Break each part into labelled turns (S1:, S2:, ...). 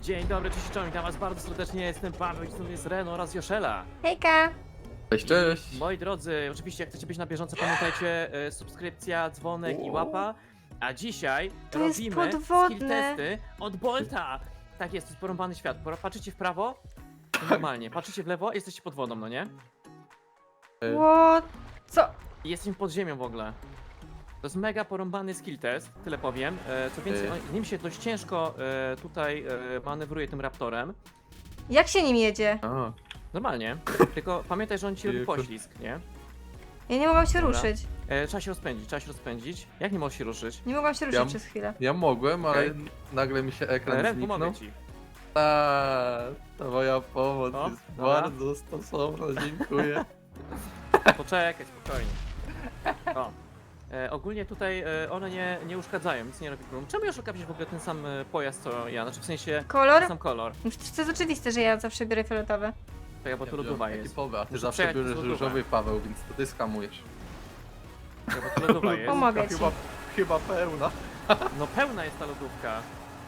S1: Dzień dobry, cześć, czołem, witam was bardzo serdecznie, jestem Paweł i tu jest Reno oraz Joszela.
S2: Hejka!
S3: Cześć, cześć.
S1: Moi drodzy, oczywiście jak chcecie być na bieżąco, pamiętajcie, subskrypcja, dzwonek i łapa. A dzisiaj
S2: To jest
S1: robimy
S2: podwodne.
S1: skill testy od Bolta. Tak jest, to jest porąbany świat. Patrzycie w prawo, to normalnie, patrzycie w lewo, jesteście pod wodą, no nie?
S2: What? Co?
S1: I jesteśmy pod ziemią w ogóle. To jest mega porąbany skill test, tyle powiem. Co więcej, z nim się dość ciężko tutaj manewruje tym raptorem.
S2: Jak się nim jedzie?
S3: A,
S1: Normalnie, tylko pamiętaj, że on ci robi
S3: Tylko-
S1: poślizg, nie?
S2: Ja nie mogłam się
S1: Dobra.
S2: ruszyć.
S1: Trzeba się rozpędzić, trzeba się rozpędzić. Jak nie możesz się ruszyć?
S2: Nie mogłam się ruszyć
S3: Ja-
S2: przez chwilę.
S3: ja mogłem, ale
S1: Okej.
S3: nagle mi się ekran
S1: Ren,
S3: zniknął.
S1: pomogę ci.
S3: Ta moja pomoc
S1: O,
S3: jest
S1: dobra.
S3: bardzo stosowna, dziękuję.
S1: Poczekaj, spokojnie. O. Ogólnie tutaj one nie uszkadzają, nic nie robi problem. Czemu już okapisz w ogóle ten sam pojazd co ja? Znaczy w sensie
S2: Kolor?
S1: ten sam kolor.
S2: No przecież to jest oczywiste, że ja zawsze biorę fioletowy.
S1: Czekaj, bo tu lodowa jest.
S3: Ekipowy, a ty
S1: Muszę
S3: zawsze
S1: przejechać
S3: bierzesz
S1: przez lodówkę.
S3: różowy, Paweł, więc to ty skamujesz.
S1: Czekaj, bo tu lodowa jest.
S2: Pomogę ci.
S3: Chyba pełna.
S1: No pełna jest ta lodówka.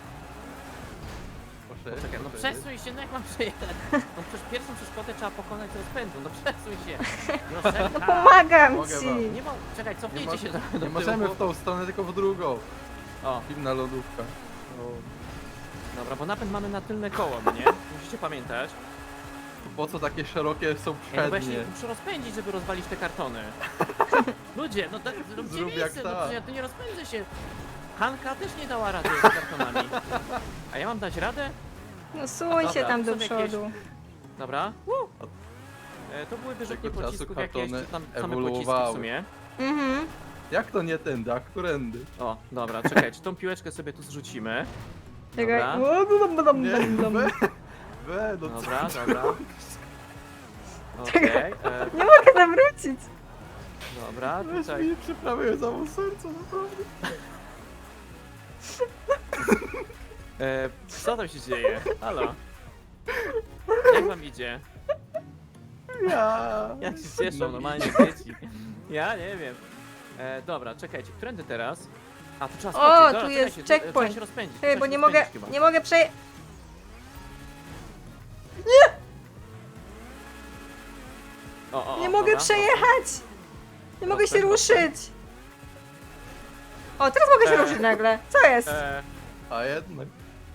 S3: Proszę,
S1: Czekaj, no
S3: proszę.
S1: przesuń się, no jak mam przejechać? No przecież pierwszą przeszkodę trzeba pokonać z rozpędu, no przesuń się. Joszelka.
S2: No pomagam
S3: Mogę
S2: ci!
S3: wam.
S1: Nie ma... Czekaj, cofnijcie
S3: Nie
S1: się
S3: mo-
S1: trochę do
S3: Nie możemy
S1: tyłu.
S3: w tą stronę, tylko w drugą.
S1: O,
S3: Zimna lodówka.
S1: dobra, bo napęd mamy na tylne koło, no nie? Musicie pamiętać.
S3: Po co takie szerokie są
S1: Ja no właśnie
S3: przednie?
S1: muszę rozpędzić, żeby rozwalić te kartony. Ludzie, no tak, zróbcie
S3: Zrób jak
S1: miejsce, no
S3: tak.
S1: przecież ja tu nie rozpędzę się. Hanka też nie dała rady z kartonami. A ja mam dać radę?
S2: No suń się
S1: Dobra,
S2: tam do
S1: są jakieś-
S2: przodu.
S1: Dobra. To były wyrzutnie
S3: Tego czasu
S1: pocisków jakieś,
S3: kartony
S1: czy tam same pociski w
S3: ewoluowały.
S1: sumie.
S2: Mhm.
S3: Jak to nie tędy, a którędy?
S1: O, dobra, czekajcie, tą piłeczkę sobie tu zrzucimy.
S2: Czekaj.
S1: Dobra.
S2: O, dum, dum, dum,
S3: Nie,
S2: dum, dum.
S3: no co?
S1: Dobra, dobra. Okej,
S2: Nie mogę zawrócić.
S1: dobra,
S3: Weź
S1: tutaj.
S3: mi przyprawię za mą serce, naprawdę.
S1: Co tam się dzieje? Halo? Jak wam idzie?
S3: Ja.
S1: Jak się cieszą normalnie dzieci. Ja nie wiem. Dobra, czekajcie, którędy teraz? A, tu trzeba
S2: O,
S1: skoczyć.
S2: tu
S1: Dobra,
S2: jest
S1: czekajcie,
S2: checkpoint.
S1: Trzeba się rozpędzić.
S2: Czekaj,
S1: trzeba
S2: bo
S1: się
S2: nie mogę,
S1: rozpędzić chyba.
S2: nie mogę przeje...
S1: O,
S2: Nie mogę
S1: dobra,
S2: przejechać! Nie mogę się
S1: Rozpędź,
S2: ruszyć! O, teraz mogę się ruszyć nagle. Co jest?
S3: A jednak.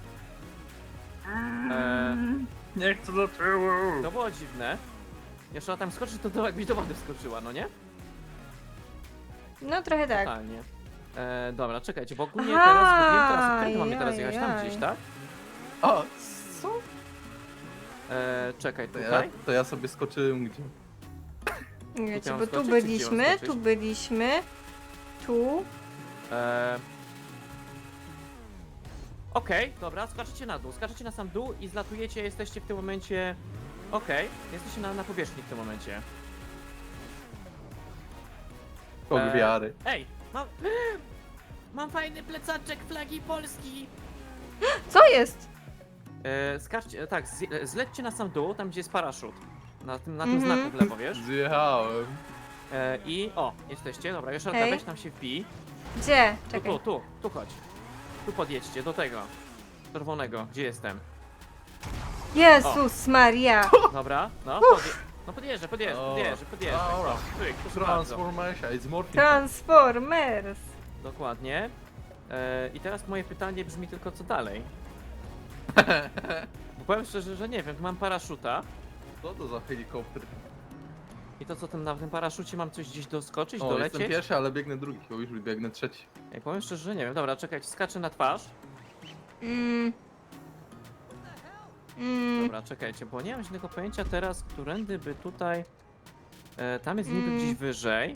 S3: Nie chcę do tyłu.
S1: To było dziwne. Jeszcze tam skoczyć, to jakbyś do wody wskoczyła, no nie?
S2: No trochę tak.
S1: Totalnie. Dobra, czekajcie, bo ogólnie
S2: Aha,
S1: teraz zgubiłem teraz, którędy mamy teraz jechać? Tam
S2: jaj.
S1: gdzieś, tak?
S3: A, co?
S1: Czekaj,
S3: To ja,
S1: tutaj?
S3: to ja sobie skoczyłem gdzie?
S2: Wiecie,
S1: mam
S2: bo tu
S1: skoczyć, czy gdzie mam
S2: byliśmy,
S1: skoczyć?
S2: tu byliśmy, tu.
S1: Okej, dobra, skaczecie na dół, skaczecie na sam dół i zlatujecie, jesteście w tym momencie... Okej, jesteście na powierzchni w tym momencie.
S3: Kog wiary.
S1: Ej, mam fajny plecaczek flagi Polski!
S2: Co jest?
S1: Skaczcie, tak, zlećcie na sam dół, tam gdzie jest paraszut. Na tym
S2: Mhm.
S1: znaku w lewo, wiesz?
S3: Zjechałem.
S1: I o, jesteście, dobra, jeszcze
S2: Hej.
S1: weź tam się wbij.
S2: Gdzie?
S1: Tu,
S2: Czekaj.
S1: tu chodź. Tu podjedźcie, do tego. Czerwonego, gdzie jestem.
S2: Jezus Maria!
S1: Dobra, no, no podjeżdżę.
S3: O,
S1: O,
S3: dobra.
S1: pyk, proszę bardzo.
S3: Transformation, it's morphing.
S2: Transformers!
S1: Dokładnie. I teraz moje pytanie brzmi tylko co dalej. Bo powiem szczerze, że nie wiem, tu mam paraszuta.
S3: Co to za helikopter?
S1: I to co, na tym paraszucie mam coś gdzieś doskoczyć,
S3: O, jestem
S1: dolecieć?
S3: pierwszy, ale biegnę drugi, bo już biegnę trzeci.
S1: Ej, powiem szczerze, że nie wiem. Dobra, czekajcie, skaczę na twarz.
S2: Mm. Mm.
S1: Dobra, czekajcie, bo nie mam żadnego pojęcia teraz, którędy by tutaj... tam jest niby gdzieś wyżej.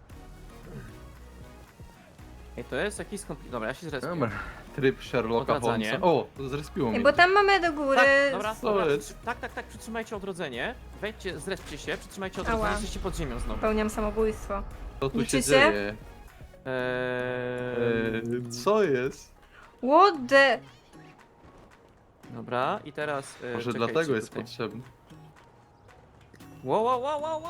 S1: Ej, to jest jakiś skomplikowany... Dobra, ja się zrespię.
S3: Dobra. Tryb Sherlocka
S1: Odradzanie.
S3: Holmesa. O, to zrespiło
S2: Ej,
S3: mnie.
S2: bo tam mamy do góry...
S1: Tak, dobra,
S3: Co
S1: dobra,
S3: jest?
S1: tak, przytrzymajcie odrodzenie. Wejdźcie, zreszcie się, przytrzymajcie odrodzenie,
S2: Ała.
S1: jesteście pod ziemią znowu.
S2: Popełniam samobójstwo.
S3: Co tu się
S2: liczy się?
S3: dzieje? Co jest?
S2: What the...
S1: Dobra, i teraz...
S3: Może
S1: czekajcie
S3: dlatego jest
S1: tutaj.
S3: potrzebny.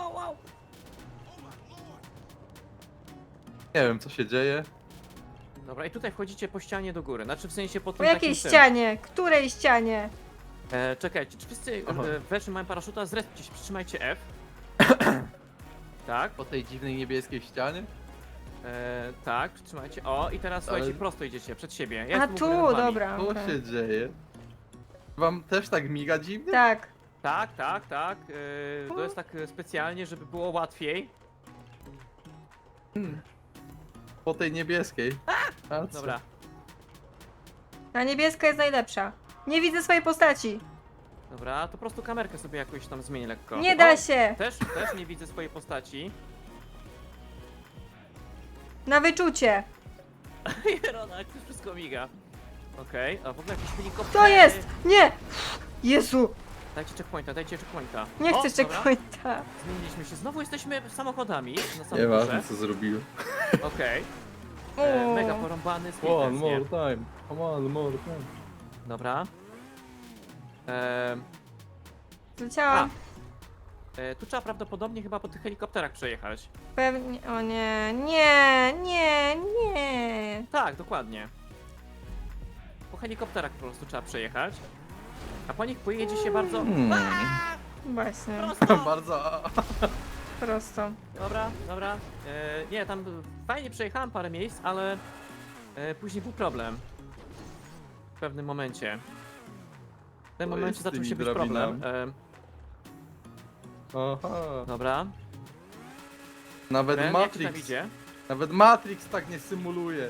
S1: Wow.
S3: Nie wiem co się dzieje.
S1: Dobra, i tutaj wchodzicie po ścianie do góry, znaczy w sensie po
S2: Po
S1: tym
S2: jakiej
S1: takim
S2: ścianie? Której ścianie?
S1: Czekajcie, czy wszyscy
S3: Aha.
S1: weszli mają paraszuta, zrespcie się, przytrzymajcie F. Tak,
S3: Po tej dziwnej niebieskiej ścianie?
S1: tak, przytrzymajcie. O, i teraz słuchajcie,
S3: Ale-
S1: prosto idziecie przed siebie. Ja
S2: A
S1: jestem u góry
S2: tu,
S1: nad wami.
S2: dobra.
S3: Co
S2: okej.
S3: się dzieje? Wam też tak miga dziwnie?
S2: Tak.
S1: Tak, tak, tak. To jest tak specjalnie, żeby było łatwiej.
S3: Po tej niebieskiej. A co?
S1: Dobra.
S2: Ta niebieska jest najlepsza. Nie widzę swojej postaci.
S1: Dobra, to po prostu kamerkę sobie jakoś tam zmienię lekko.
S2: Nie da
S1: O,
S2: się.
S1: Też nie widzę swojej postaci.
S2: Na wyczucie.
S1: Jerona, jak to wszystko miga. Okej, a w ogóle jakiś helikopter.
S2: To jest! Nie! Jezu!
S1: Dajcie checkpointa, dajcie checkpointa.
S2: Nie
S1: O,
S2: chcę
S1: dobra.
S2: checkpointa.
S1: Zmieniliśmy się. Znowu jesteśmy samochodami na samym
S3: Nieważne
S1: górze.
S3: co zrobiłem.
S1: Okej.
S2: O.
S1: Mega porąbany speed
S3: One
S1: dance, nie?
S3: more time. Come on, more time.
S1: Dobra.
S2: Leciałam.
S1: Tu trzeba prawdopodobnie chyba po tych helikopterach przejechać.
S2: Pewnie. O nie. Nie, nie, nie.
S1: Tak, dokładnie. Po helikopterach po prostu trzeba przejechać. A po nich pojedzie się bardzo...
S2: Właśnie.
S1: Prosto!
S3: Bardzo.
S2: Prosto.
S1: Dobra, dobra. Nie, tam fajnie przejechałem parę miejsc, ale później był problem. W pewnym momencie. W tym
S3: Co
S1: momencie
S3: jest z
S1: zaczął
S3: tymi
S1: się być problem.
S3: drabinami? Aha.
S1: Dobra.
S3: Nawet
S1: Ren, jak ci tam
S3: Matrix.
S1: idzie?
S3: Nawet Matrix tak nie symuluje.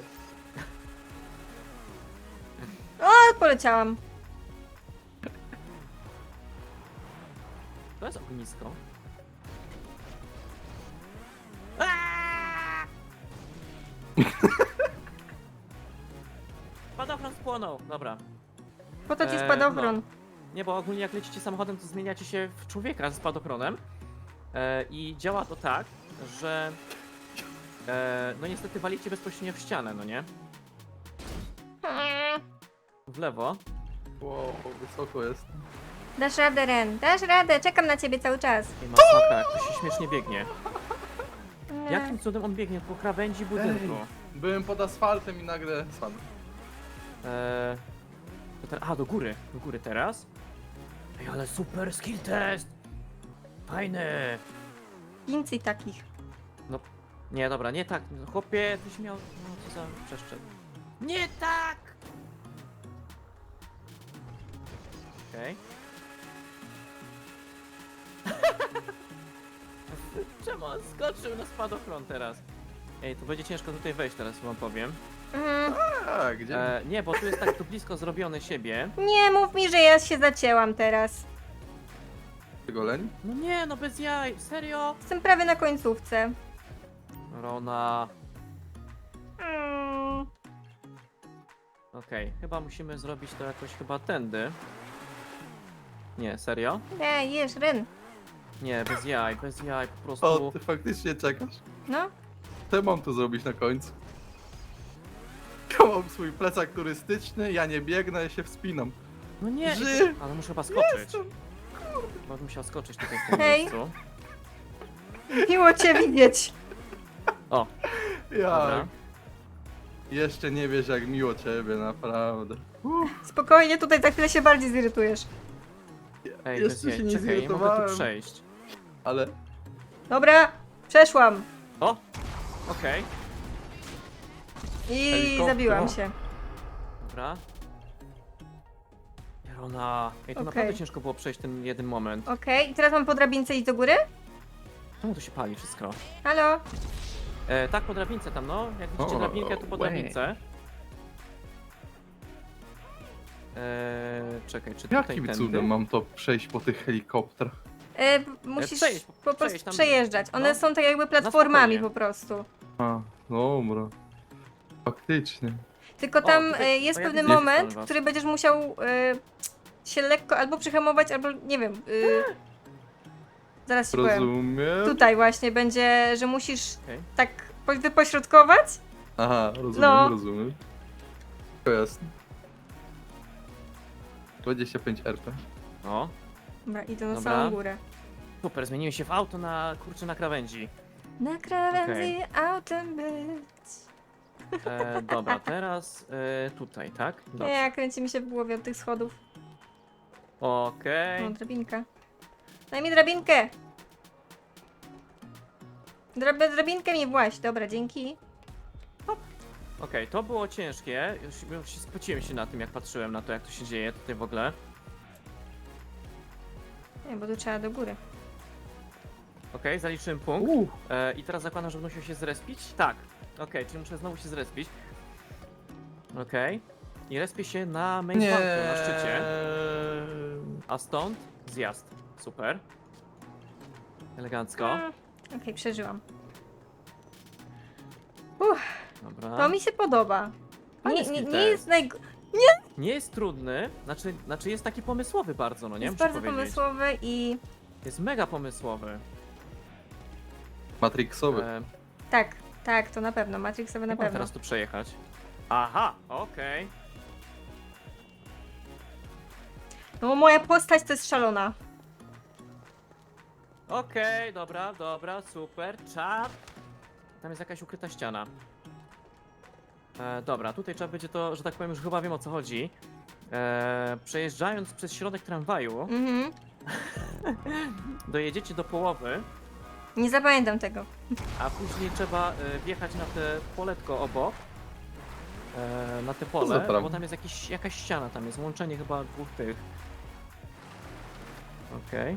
S2: O, poleciałam.
S1: To jest ognisko. Aaaa! Spadochron spłonął, dobra.
S2: Po to ci
S1: no.
S2: spadochron.
S1: Nie, bo ogólnie jak lecicie samochodem, to zmieniacie się w człowieka ze spadochronem. I działa to tak, że no niestety walicie bezpośrednio w ścianę, no nie? W lewo.
S3: Wow, wysoko jest.
S2: Dasz radę, Ren. Dasz radę. Czekam na ciebie cały czas.
S1: I masakra, jak to się śmiesznie biegnie.
S2: Nie.
S1: Jakim cudem on biegnie po krawędzi budynku?
S3: Byłem pod asfaltem i nagle spadłem.
S1: Do góry teraz. Ej, ale super skill test! Fajny!
S2: Więcej takich.
S1: Nie, dobra, nie tak. No, chłopie, tyś miał... No, co za przeszczep. Nie tak! Okej. Czemu on skoczył na spadochron teraz? Ej, to będzie ciężko tutaj wejść teraz, wam powiem.
S3: A, gdzie?
S1: Nie, bo tu jest tak tu blisko zrobione siebie.
S2: Nie mów mi, że ja się zacięłam teraz.
S3: Goleń?
S1: No nie, no bez jaj, serio?
S2: Jestem prawie na końcówce.
S1: Rona.
S2: Mm.
S1: Okej, chyba musimy zrobić to jakoś chyba tędy. Nie, serio?
S2: Nie, jesz, Ren.
S1: Nie, bez jaj, po
S3: O,
S1: prostu.
S3: ty faktycznie czekasz?
S2: No.
S3: Co mam tu zrobić na końcu? Ja mam swój plecak turystyczny, ja nie biegnę, ja się wspinam.
S1: No nie,
S3: Ży-
S1: ale muszę chyba skoczyć. Chyba bym musiał skoczyć tutaj w tym
S2: Hej.
S1: miejscu.
S2: Miło cię widzieć.
S1: O, dobra.
S3: Ja. Jeszcze nie wiesz jak miło ciebie, naprawdę.
S2: Spokojnie, tutaj za chwilę się bardziej zirytujesz.
S1: Ej, bez
S3: Jeszcze
S1: jaj,
S3: się nie
S1: czekaj, nie mogę tu
S3: zirytowałem.
S1: przejść.
S3: Ale
S2: Dobra, przeszłam.
S1: O! Okej,
S2: I
S3: Helikopter.
S2: zabiłam się.
S1: dobra. Jerona. Ej, to
S2: Okej.
S1: naprawdę ciężko było przejść ten jeden moment.
S2: Okej, i teraz mam po drabince iść do góry?
S1: Czemu to się pali wszystko?
S2: Halo?
S1: Tak, po drabince tam, no. Jak widzicie
S3: O,
S1: drabinkę, to po
S3: łe.
S1: drabince. Czekaj, czy tutaj
S3: jakim
S1: tędy?
S3: cudem mam to przejść po tych helikopterach?
S2: Musisz
S1: Przejeść,
S2: po prostu
S1: przejeść tam.
S2: przejeżdżać. One
S1: No.
S2: są tak jakby platformami
S1: spokojnie.
S2: po prostu.
S3: A, dobra. Faktycznie.
S2: Tylko
S1: O,
S2: tam
S1: tutaj-
S2: jest
S1: o, ja
S2: pewny
S1: widzę,
S2: moment,
S1: was.
S2: w którym będziesz musiał się lekko albo przyhamować, albo nie wiem. Zaraz ci powiem.
S3: Rozumiem.
S2: Tutaj właśnie będzie, że musisz
S1: Okej.
S2: tak wypośrodkować.
S3: Aha, rozumiem,
S2: No.
S3: rozumiem. To jasne. 25 RP.
S1: O,
S2: Dobra, idę na
S1: Dobra.
S2: samą górę.
S1: super, zmieniłem się w auto na, kurczę, na krawędzi.
S2: Na krawędzi autem być.
S1: Dobra, teraz tutaj, tak? Dobrze.
S2: Nie, kręci mi się w głowie od tych schodów.
S1: Okej.
S2: No, drabinka. Daj mi drabinkę! Drabinkę mi właś. Dobra, dzięki.
S1: Okej, to było ciężkie. Już się spociłem się na tym, jak patrzyłem na to, jak to się dzieje tutaj w ogóle.
S2: Nie, bo tu trzeba do góry.
S1: Okej, zaliczyłem punkt. I teraz zakładam, że będą musiał się zrespić? Tak. Okej, czyli muszę znowu się zrespić. Okej. I respię się na main
S3: Nie.
S1: banku, na szczycie. A stąd zjazd. Super. Elegancko.
S2: Okej, przeżyłam.
S1: Dobra.
S2: To mi się podoba.
S1: Fajny
S2: Nie,
S1: skill
S2: nie
S1: test.
S2: jest
S1: Nie jest trudny, znaczy jest taki pomysłowy bardzo, no nie?
S2: jest
S1: Muszę
S2: bardzo
S1: powiedzieć.
S2: pomysłowy i
S1: Jest mega pomysłowy.
S3: Matrixowy.
S2: tak, tak, to na pewno. Matrixowy na
S1: Jak mam
S2: pewno.
S1: teraz tu przejechać? Aha, okej.
S2: No moja postać to jest szalona.
S1: Okej, dobra, super. Czad. Tam jest jakaś ukryta ściana. Dobra, tutaj trzeba będzie to, że tak powiem, już chyba wiem o co chodzi. Przejeżdżając przez środek tramwaju,
S2: Mhm.
S1: dojedziecie do połowy,
S2: Nie zapamiętam tego.
S1: a później trzeba wjechać na te poletko obok. Na te
S3: za
S1: pole,
S3: tram?
S1: bo tam jest jakaś ściana, tam jest łączenie chyba dwóch tych. Okej.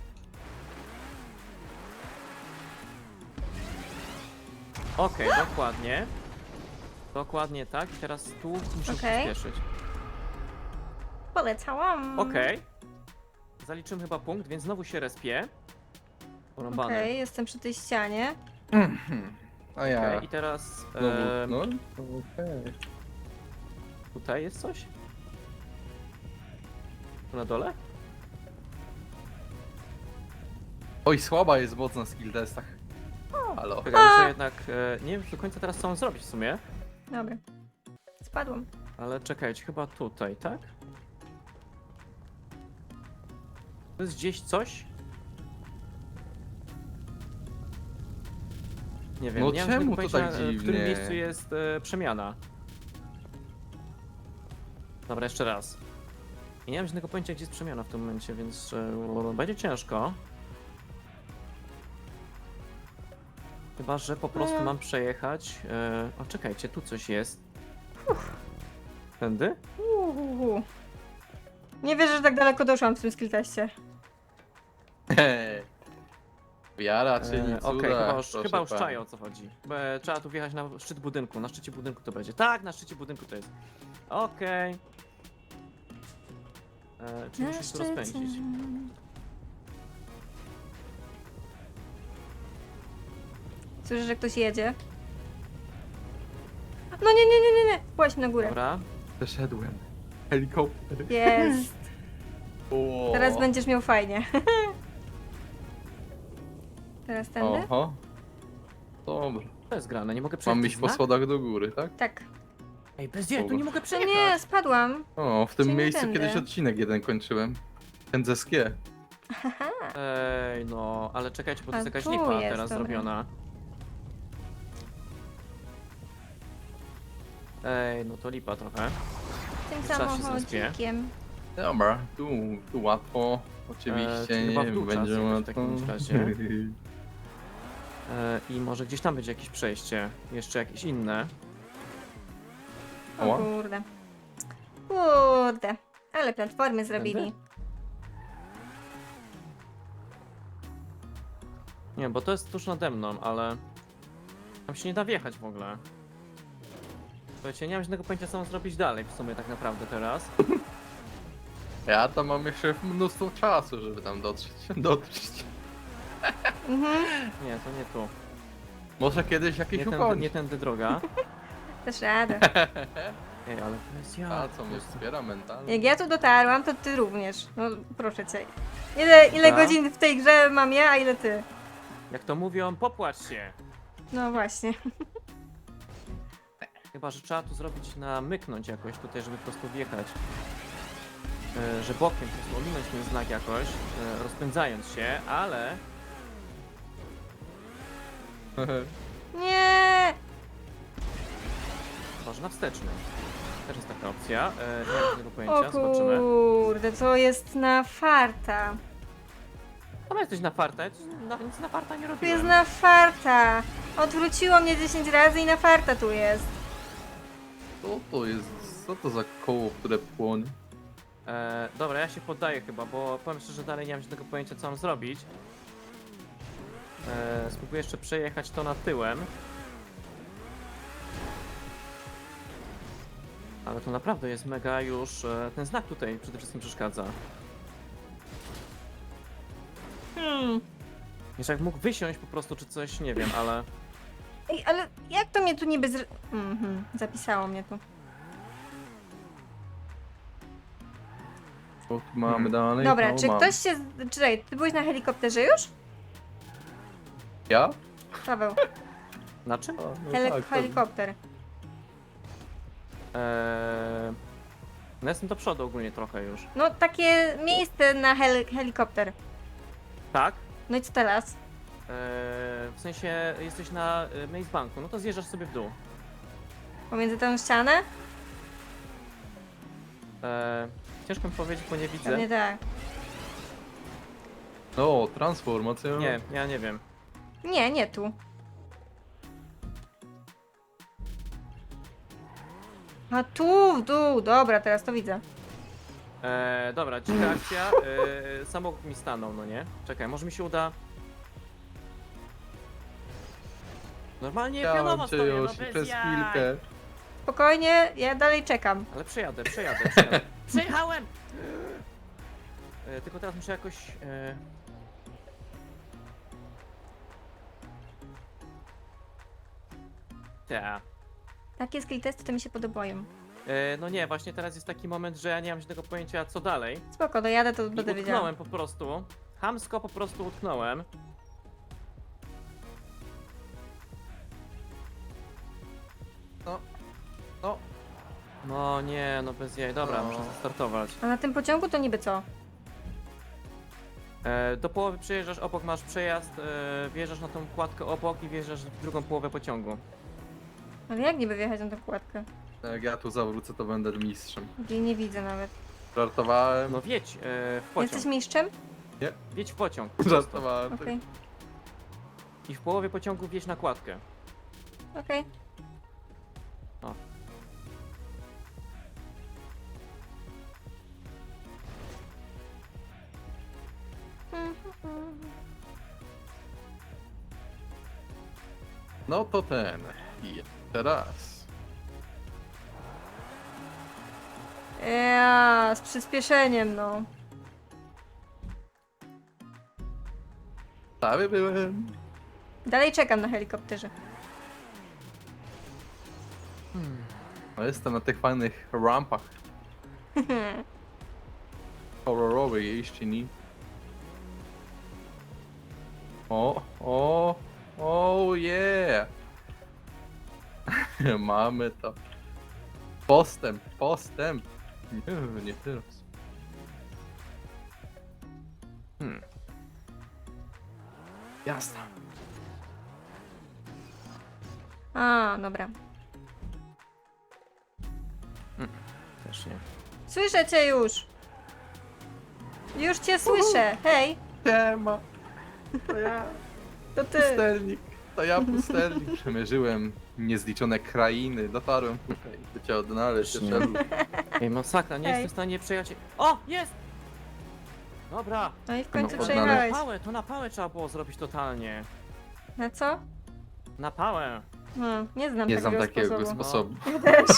S1: Okej, dokładnie. Dokładnie tak. I teraz tu muszę
S2: Okej.
S1: przyspieszyć.
S2: Polecałam.
S1: Okej. Zaliczymy chyba punkt, więc znowu się respię. Porąbane.
S2: Okej, jestem przy tej ścianie.
S3: A ja.
S1: Okej, i teraz
S3: Znowu, no. Okej.
S1: tutaj jest coś? Tu na dole?
S3: Oj, słaba jest moc na skill testach. Halo.
S1: Czekaj, muszę jednak... nie wiem do końca teraz co mam zrobić w sumie.
S2: Dobra. Spadłam.
S1: Ale czekajcie, chyba tutaj, tak? To jest gdzieś coś? Nie wiem,
S3: No
S1: nie mam
S3: czemu
S1: żadnego
S3: to
S1: pojęcia,
S3: tak
S1: w którym
S3: dziwnie?
S1: miejscu jest przemiana. Dobra, jeszcze raz. I nie mam żadnego pojęcia, gdzie jest przemiana w tym momencie, więc będzie ciężko. Chyba, że po prostu mam przejechać... o, czekajcie, tu coś jest. Tędy?
S2: Nie wierzę, że tak daleko doszłam w tym skillteście.
S3: Wiara czyni cuda.
S1: Okej,
S3: proszę
S1: chyba już
S3: pani.
S1: czaję o co chodzi. Trzeba tu wjechać na szczyt budynku. Na szczycie budynku to będzie. Tak, na szczycie budynku to jest. Okej. Czyli musisz tu rozpędzić.
S2: Słyszę, że ktoś jedzie. No nie. Właśnie na górę.
S1: Dobra.
S3: Przeszedłem. Helikopter.
S2: Jest.
S3: O.
S2: Teraz będziesz miał fajnie. Teraz tędy?
S3: Oho. Dobra.
S1: To jest grane, nie mogę przejechać.
S3: Mam iść po schodach do góry, tak?
S2: Tak.
S1: Ej, bez jaj, tu nie mogę
S2: No
S1: przejechać.
S2: nie, spadłam.
S3: O, w tym
S2: Czyli
S3: miejscu
S2: tędy.
S3: kiedyś odcinek jeden kończyłem. Ten ze skie.
S1: Ej, no, ale czekajcie, bo to jest
S2: A
S1: jakaś
S2: tu
S1: lipa
S2: jest,
S1: teraz
S2: dobra.
S1: zrobiona. Ej, no to lipa trochę.
S2: Tym
S1: Trzeba się
S2: samochodzikiem.
S3: Dobra, tu łatwo. Oczywiście
S1: czyli chyba w
S3: nie
S1: dół
S3: będzie
S1: czas jakoś w
S3: łatwo.
S1: takim razie. I może gdzieś tam będzie jakieś przejście. Jeszcze jakieś inne.
S2: O
S3: Oła.
S2: kurde. Kurde. Ale platformy zrobili.
S1: Nie, bo to jest tuż nade mną, ale... Tam się nie da wjechać w ogóle. Słuchajcie, nie mam żadnego pojęcia, co mam zrobić dalej w sumie tak naprawdę teraz.
S3: Ja tam mam jeszcze mnóstwo czasu, żeby tam dotrzeć.
S2: Mhm.
S1: Nie, to nie tu.
S3: Może kiedyś jakieś
S1: Nie tędy,
S3: ukończy.
S1: nie tędy droga.
S2: Też radę.
S1: Ej, ale to jest ja.
S3: A co mnie wspiera mentalnie?
S2: Jak ja tu dotarłam, to ty również. No proszę cię. Ile
S1: Dobra.
S2: godzin w tej grze mam ja, a ile ty?
S1: Jak to mówią, popłacz się.
S2: No właśnie.
S1: Chyba, że trzeba tu zrobić namyknąć jakoś tutaj, żeby po prostu wjechać. Że bokiem po prostu ominąć ten znak jakoś, rozpędzając się, ale...
S2: Nie!
S1: Chyba, że na wsteczny. Też jest taka opcja. Nie mam tego
S2: O
S1: pojęcia, zobaczymy.
S2: kurde, to jest na farta.
S1: Chyba jesteś na farta, ja nic na farta nie
S2: Tu jest
S1: robiłem.
S2: na farta. Odwróciło mnie 10 razy i na farta tu jest.
S3: Co to jest? Co to za koło, które płonie?
S1: Dobra, ja się poddaję chyba, bo powiem szczerze, dalej nie mam żadnego pojęcia, co mam zrobić. Spróbuję jeszcze przejechać to na tyłem. Ale to naprawdę jest mega już... ten znak tutaj przede wszystkim przeszkadza. Jeszcze jak mógł wysiąść po prostu, czy coś, nie wiem, ale...
S2: Ej, ale jak to mnie tu niby zapisało mnie tu.
S3: Co tu mamy dalej?
S2: Dobra,
S3: No,
S2: czy
S3: mam.
S2: ktoś się... Czekaj, ty byłeś na helikopterze już?
S3: Ja?
S2: Paweł,
S1: Na czym?
S3: A, no tak,
S2: helikopter.
S1: No jestem do przodu ogólnie trochę już.
S2: No takie miejsce na helikopter.
S1: Tak?
S2: No i co teraz?
S1: W sensie jesteś na Maze Banku, no to zjeżdżasz sobie w dół.
S2: Pomiędzy tą ścianę?
S1: Ciężko mi powiedzieć, bo nie widzę.
S2: Pewnie tak.
S3: No, transformacja.
S1: Nie, ja nie wiem.
S2: Nie, nie tu. A tu, w dół, dobra, teraz to widzę.
S1: Dobra, dzika akcja. Samochód mi stanął, no nie? Czekaj, może mi się uda. Normalnie pionowo
S3: Chciałem cię
S1: stoję, no
S3: już
S1: bez
S3: przez
S1: jaj.
S3: chwilkę.
S2: Spokojnie, ja dalej czekam.
S1: Ale przejadę. Przejechałem! Tylko teraz muszę jakoś... Ta.
S2: Takie skill testy to mi się podobają.
S1: No nie, właśnie teraz jest taki moment, że ja nie mam żadnego pojęcia co dalej.
S2: Spoko, dojadę, to
S1: I
S2: będę wiedziała.
S1: utknąłem po prostu. Chamsko po prostu utknąłem.
S3: No. No.
S1: No nie, no bez jaj. Dobra,
S3: No.
S1: muszę zastartować.
S2: A na tym pociągu to niby co?
S1: Do połowy przejeżdżasz, obok masz przejazd, wjeżdżasz na tą kładkę obok i wjeżdżasz w drugą połowę pociągu.
S2: Ale jak niby wjechać na tą kładkę?
S3: Jak ja tu zawrócę, to będę mistrzem.
S2: Gdzie nie widzę nawet.
S3: Żartowałem.
S1: No wjedź w pociąg.
S2: Jesteś mistrzem?
S1: Wjedź w pociąg.
S3: Żartowałem.
S2: Okej,
S1: I w połowie pociągu wjedź na kładkę.
S2: okej.
S1: O.
S3: No to ten. I teraz.
S2: Ja, z przyspieszeniem, no.
S3: Prawie byłem.
S2: Dalej czekam na helikopterze.
S3: No jestem na tych fajnych rampach. Horrorowej jeźdźni. O, yeah! Mamy to. Postęp. Nie teraz. Jasne.
S2: A, dobra.
S1: Też nie.
S2: Słyszę cię już! Już cię słyszę! Hej!
S3: Siema. To ja.
S2: To ty!
S3: Pustelnik. To ja pustelnik. Przemierzyłem niezliczone krainy. Dotarłem tutaj, by cię odnaleźć.
S1: Nie.
S3: Jeszcze
S1: Ej, masakra, nie
S2: Ej.
S1: jestem w stanie przejechać. O, jest! Dobra.
S2: No i w końcu
S3: No,
S2: przejechałeś.
S1: To na pałę trzeba było zrobić totalnie.
S2: Na co?
S1: Na pałę.
S2: Nie znam
S3: nie znam
S2: takiego
S3: takiego
S2: sposobu.
S3: sposobu.
S2: Ja też.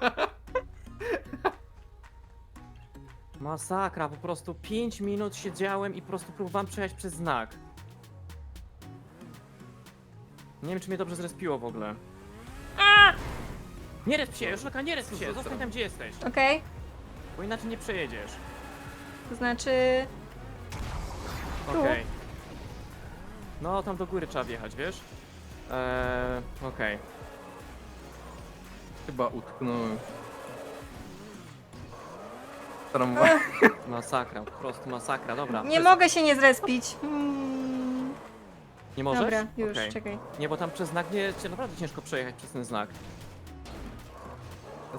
S1: Masakra, po prostu 5 minut siedziałem i po prostu próbowałem przejechać przez znak. Nie wiem, czy mnie dobrze zrespiło w ogóle. Nie resp się, Joszelka, nie resp się, zostań tam, gdzie jesteś,
S2: Okej,
S1: bo inaczej nie przejedziesz.
S2: to znaczy... Tu?
S1: Okej. No, tam do góry trzeba wjechać, wiesz? Okej.
S3: Chyba utknąłem. Tramwaj.
S1: Masakra, po prostu masakra, dobra.
S2: Nie mogę się nie zrespić.
S1: Nie możesz?
S2: Dobra, już,
S1: Okej.
S2: czekaj.
S1: Nie, bo tam przez znak nie, cię naprawdę ciężko przejechać przez ten znak.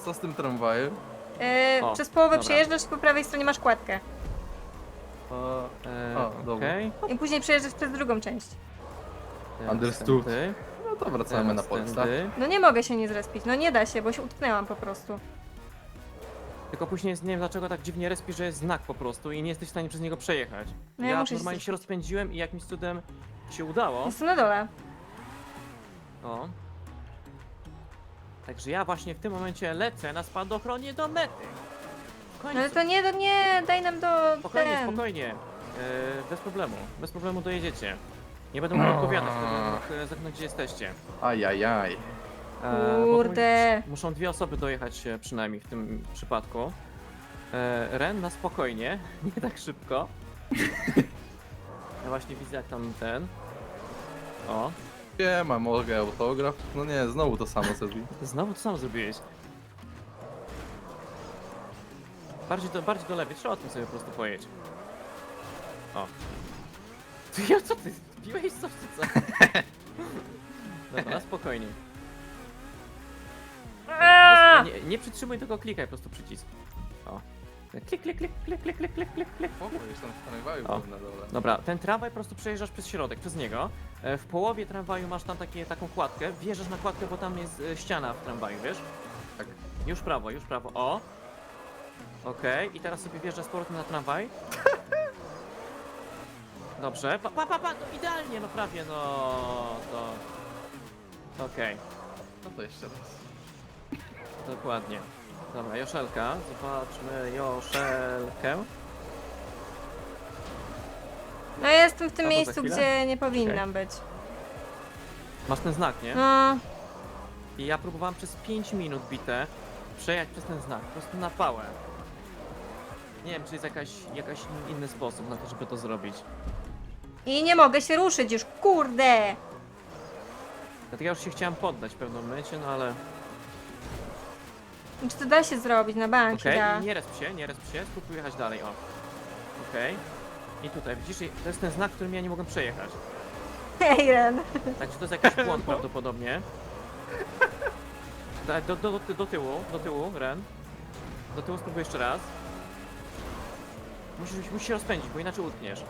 S3: co z tym tramwajem?
S1: O,
S2: Przez połowę
S1: dobra.
S2: przejeżdżasz i po prawej stronie masz kładkę.
S3: O, dobra.
S1: Okej.
S2: I później przejeżdżasz przez drugą część.
S1: Teraz
S3: Understood.
S1: tędy,
S3: No to wracamy na
S1: teraz
S3: Polsce.
S1: tędy.
S2: No nie mogę się nie zrespić, no nie da się, bo się utknęłam po prostu.
S1: Tylko później jest, nie wiem dlaczego tak dziwnie respi, że jest znak po prostu i nie jesteś w stanie przez niego przejechać.
S2: No ja
S1: ja
S2: muszę się
S1: normalnie się
S2: zrespić.
S1: rozpędziłem i jakimś cudem się udało.
S2: Jestem na dole.
S1: O. Także ja właśnie w tym momencie lecę na spadochronie do mety. W końcu.
S2: No ale to nie, daj nam do
S1: Spokojnie,
S2: ten.
S1: spokojnie. Bez problemu dojedziecie. Nie będę mógł odpowiadać, będę mógł zapytać gdzie jesteście.
S3: Ajajaj.
S1: Bo
S2: Kurde.
S1: muszą dwie osoby dojechać przynajmniej w tym przypadku. Ren na spokojnie, nie tak szybko. Ja właśnie widzę jak tam ten. O,
S3: Nie ma, mogę autograf. No nie, znowu to samo zrobi.
S1: znowu to samo zrobiłeś. Bardziej do lewej, trzeba o tym sobie po prostu pojedź. O. Ty, co ty? Piłeś coś czy co? Dobra, na spokojnie.
S2: Aaa!
S1: Nie przytrzymuj, tylko klikaj po prostu przycisk. O. Klik, klik, klik, klik, klik, klik, klik, klik, klik.
S3: Spoko, już tam w tramwaju
S1: O.
S3: byłem na dole.
S1: Dobra, ten tramwaj po prostu przejeżdżasz przez środek, przez niego. W połowie tramwaju masz tam taką kładkę. Wjeżdżasz na kładkę, bo tam jest ściana w tramwaju, wiesz?
S3: Tak.
S1: Już prawo, już prawo. O! Okej, i teraz sobie wjeżdżasz z powrotem na tramwaj. Dobrze. Pa, no idealnie, no prawie, no to... Okej,
S3: No to jeszcze raz.
S1: dokładnie. Dobra, Joszelka. Zobaczmy Joszelkę.
S2: No ja jestem w tym
S1: Albo za
S2: miejscu,
S1: chwilę?
S2: gdzie nie powinnam być.
S1: Masz ten znak, nie?
S2: No,
S1: I ja próbowałem przez 5 minut bite przejechać przez ten znak, po prostu na pałę. Nie wiem, czy jest jakaś inny sposób na to, żeby to zrobić.
S2: i nie mogę się ruszyć już, kurde!
S1: Dlatego ja już się chciałem poddać w pewnym momencie, no ale...
S2: Czy to da się zrobić na bank?
S1: Okej,
S2: Da.
S1: i nie resp się, spróbuj jechać dalej, o. Okej. I tutaj, widzisz, to jest ten znak, którym ja nie mogłem przejechać.
S2: Hej, Ren.
S1: Także to jest jakiś błąd prawdopodobnie. Do tyłu, Ren. Do tyłu spróbuj jeszcze raz. Musisz się rozpędzić, bo inaczej utkniesz.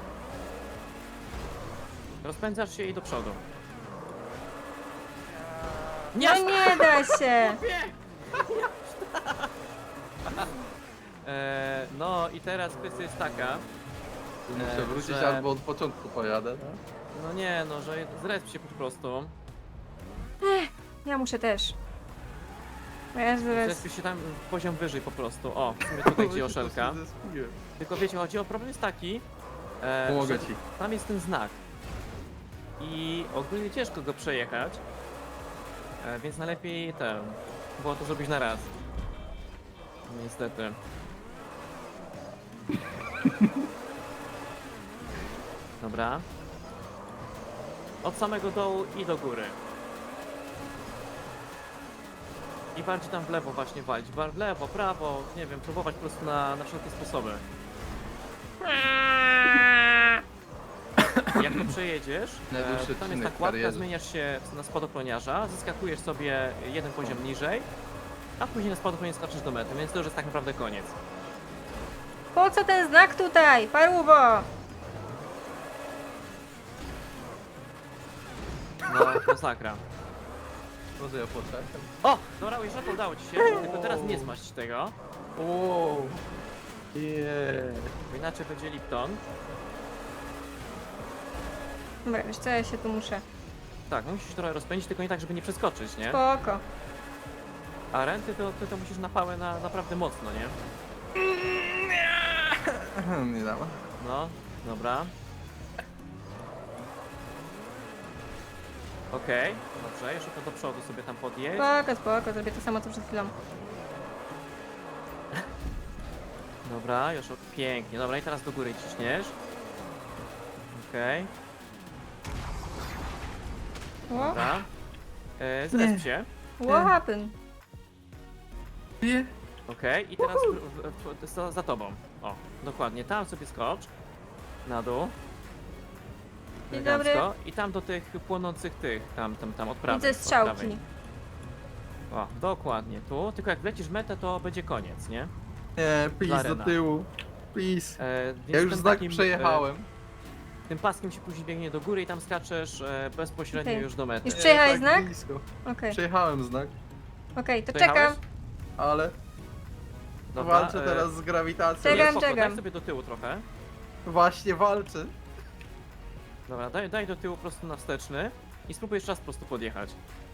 S1: Rozpędzasz się i do przodu. Nie!
S2: No nie da się!
S1: No i teraz kwestia jest taka.
S3: Muszę wrócić
S1: że-
S3: albo od początku pojadę. No.
S1: No nie, no, że zresp się po prostu.
S2: Ja muszę też. Bo ja zaraz...
S1: Zresp się tam poziom wyżej po prostu. O, w sumie tutaj gdzie
S3: Się
S1: Joszelka.
S3: po prostu zespiłem.
S1: Tylko wiecie, chodzi o problem jest taki,
S3: Pomogę
S1: że
S3: ci.
S1: tam jest ten znak. I ogólnie ciężko go przejechać. Więc najlepiej było to zrobić na raz. Niestety. Dobra. Od samego dołu i do góry. I bardziej tam w lewo właśnie walić. W lewo, prawo, nie wiem, próbować po prostu na wszelkie sposoby. Jak to przejedziesz,
S3: Najdłuższy
S1: to tam jest
S3: odcinek w
S1: nakładka,
S3: karierze.
S1: zmieniasz się na spadochroniarza, zyskakujesz sobie jeden poziom niżej, a później na spadochronie skaczesz do mety, więc to już jest tak naprawdę koniec.
S2: Po co ten znak tutaj? Paruwo!
S1: No, masakra.
S3: Może ja poczekam.
S1: O! Dobra, już to udało ci się, tylko teraz nie zmaść tego,
S3: Wow. Yeah.
S1: bo inaczej będzie Lipton.
S2: Dobra, wiesz co, ja się tu muszę.
S1: Tak, musisz się trochę rozpędzić, tylko nie tak, żeby nie przeskoczyć, nie?
S2: Spoko.
S1: A renty to musisz na pałę naprawdę mocno, nie?
S3: Nie dam.
S1: No, dobra. Okej, dobrze, jeszcze to do przodu sobie tam podjedź.
S2: Spoko, zrobię to samo co przed chwilą.
S1: Dobra, już pięknie. Dobra, i teraz do góry ciśniesz. Okej, dobra. Zresp się.
S2: What happened?
S3: Nie.
S1: Okej, i teraz za tobą. O, dokładnie, tam sobie skocz. Na dół.
S2: Dzień dobry.
S1: Elegancko. I tam do tych płonących tam od prawej.
S2: Widzę
S1: od prawej.
S2: strzałki.
S1: O, dokładnie tu. Tylko jak wlecisz w metę, to będzie koniec, nie?
S3: Nie, please, do
S1: Zarena.
S3: tyłu. Please.
S1: Więc
S3: Ja już
S1: tym
S3: znak
S1: takim,
S3: przejechałem.
S1: Tym paskiem się później biegnie do góry i tam skaczesz bezpośrednio
S2: Okej.
S1: już do mety.
S2: Już przejechałeś
S3: tak
S2: znak?
S3: blisko.
S2: Okej,
S3: Przejechałem znak,
S2: okej, to
S1: Przejechałeś?
S2: czekam.
S3: ale
S1: Dobra,
S3: walczę teraz z grawitacją.
S2: Czekam,
S1: spoko,
S2: czekam.
S1: Daj sobie do tyłu trochę.
S3: Właśnie walczę.
S1: Dobra, daj do tyłu prosto na wsteczny i spróbuj jeszcze raz po prostu podjechać.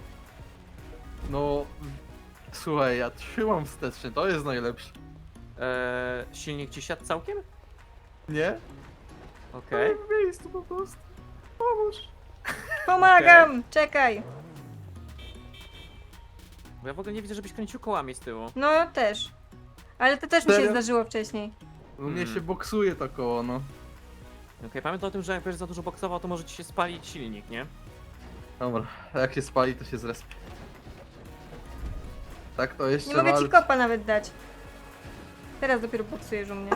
S3: No, słuchaj, ja trzymam wstecznie, to jest najlepsze.
S1: Silnik ci siadł całkiem?
S3: Nie?
S1: Okej.
S3: W miejscu po prostu. Pomóż.
S2: Pomagam, czekaj.
S1: Bo ja w ogóle nie widzę, żebyś kręcił kołami z tyłu.
S2: No też. Ale to też mi się
S3: Serio?
S2: zdarzyło wcześniej.
S3: U mnie
S1: Hmm.
S3: się boksuje to koło, no.
S1: Okej, pamiętaj o tym, że jak będziesz za dużo boksował, to może ci się spalić silnik, nie?
S3: Dobra, jak się spali, to się zrespi. Tak to jeszcze
S2: Nie mogę ci
S3: walczy.
S2: kopa nawet dać. Teraz dopiero boksujesz u mnie.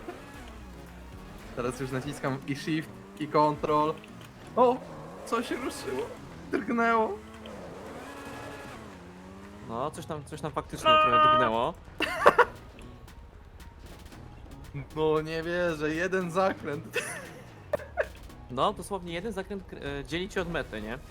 S3: Teraz już naciskam i shift, i control. O! Co się ruszyło? Drgnęło.
S1: No, coś tam faktycznie trochę drgnęło.
S3: No nie wierzę, jeden zakręt.
S1: No, dosłownie jeden zakręt dzieli cię od mety, nie?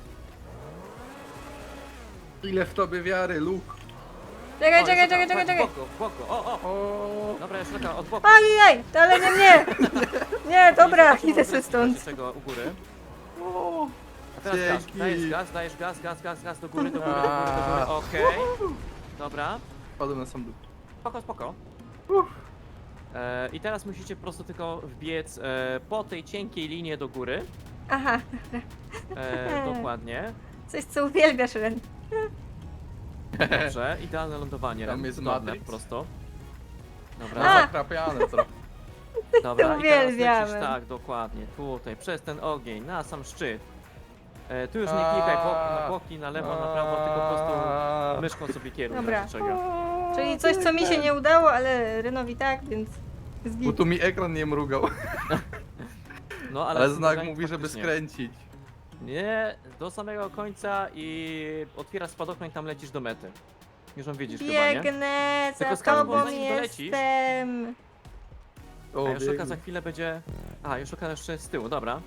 S3: Ile w tobie wiary, Luke.
S2: Czekaj,
S1: O,
S2: czekaj,
S1: jest
S2: czekaj,
S1: taka,
S2: czekaj,
S1: chodź,
S2: czekaj.
S1: W boku, o, o!
S3: O,
S1: Dobra, już taka od boku.
S2: Ajajaj, ale nie mnie! Nie, dobra,
S1: Nie
S2: idę sobie stąd.
S1: Tego u góry.
S3: o.
S1: A teraz gaz,
S3: Dzięki.
S1: dajesz gaz, do góry, do góry, do góry, do góry, okej. Dobra,
S3: Wpadłem na sam dół.
S1: spoko.
S3: Uff.
S1: I teraz musicie po prostu tylko wbiec po tej cienkiej linie do góry.
S2: Aha,
S1: Dokładnie.
S2: coś co uwielbiasz, Ren.
S1: Dobrze, idealne lądowanie.
S3: Tam
S1: Ren,
S3: jest
S1: cudowne
S3: Matrix.
S1: po prostu.
S3: No,
S1: Dobra,
S3: zakrapiane trochę.
S1: dobra. I teraz
S2: uwielbiamy.
S1: lecisz tak, dokładnie. Tutaj, przez ten ogień, na sam szczyt. Tu już nie klikaj na boki, na lewo, na prawo, tylko po prostu myszką sobie kieruj.
S2: Dobra.
S1: Dobra. Czego.
S2: Czyli coś, co mi się nie udało, ale Renowi tak, więc jest
S3: Bo
S2: git.
S3: tu mi ekran nie mrugał.
S1: No,
S3: Ale znak
S1: zderzenie
S3: mówi, żeby
S1: faktycznie.
S3: skręcić.
S1: Nie, do samego końca i otwierasz spadochron i tam lecisz do mety. Już on widzisz chyba, nie?
S2: Biegnę,
S1: Tylko
S2: za
S1: skarbon,
S2: tobą
S1: zanim dolecisz.
S2: jestem.
S3: O,
S1: A Joszelka
S3: biegnie.
S1: za chwilę będzie... A, Joszelka jeszcze z tyłu, dobra.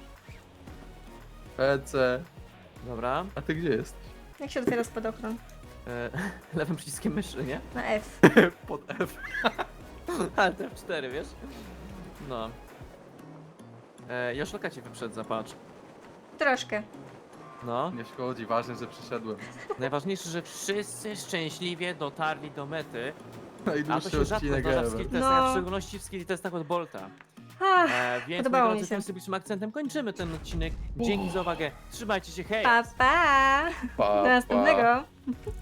S3: PC.
S1: Dobra.
S3: A ty gdzie jesteś?
S2: Jak się otwiera spadochron?
S1: Lewym przyciskiem myszy, nie?
S2: Na F.
S3: Pod F.
S1: Ale te F4, wiesz? No. Joszelka cię wyprzedza, patrz.
S2: Troszkę.
S1: No.
S3: Nie szkodzi, ważne, że przyszedłem.
S1: Najważniejsze, że wszyscy szczęśliwie dotarli do mety. A to
S3: Najdłuższy
S1: się rzadko
S3: odcinek
S1: zdarza w
S3: ever.
S1: skill testach, a
S2: No.
S1: w szczególności w skill testach od Bolta.
S2: Ach,
S1: Więc
S2: podobało
S1: moi
S2: mi
S1: drodzy,
S2: się.
S1: tym symbolicznym akcentem kończymy ten odcinek. Dzięki za uwagę. Trzymajcie się, hej!
S2: pa, pa.
S3: Pa,
S2: Do następnego.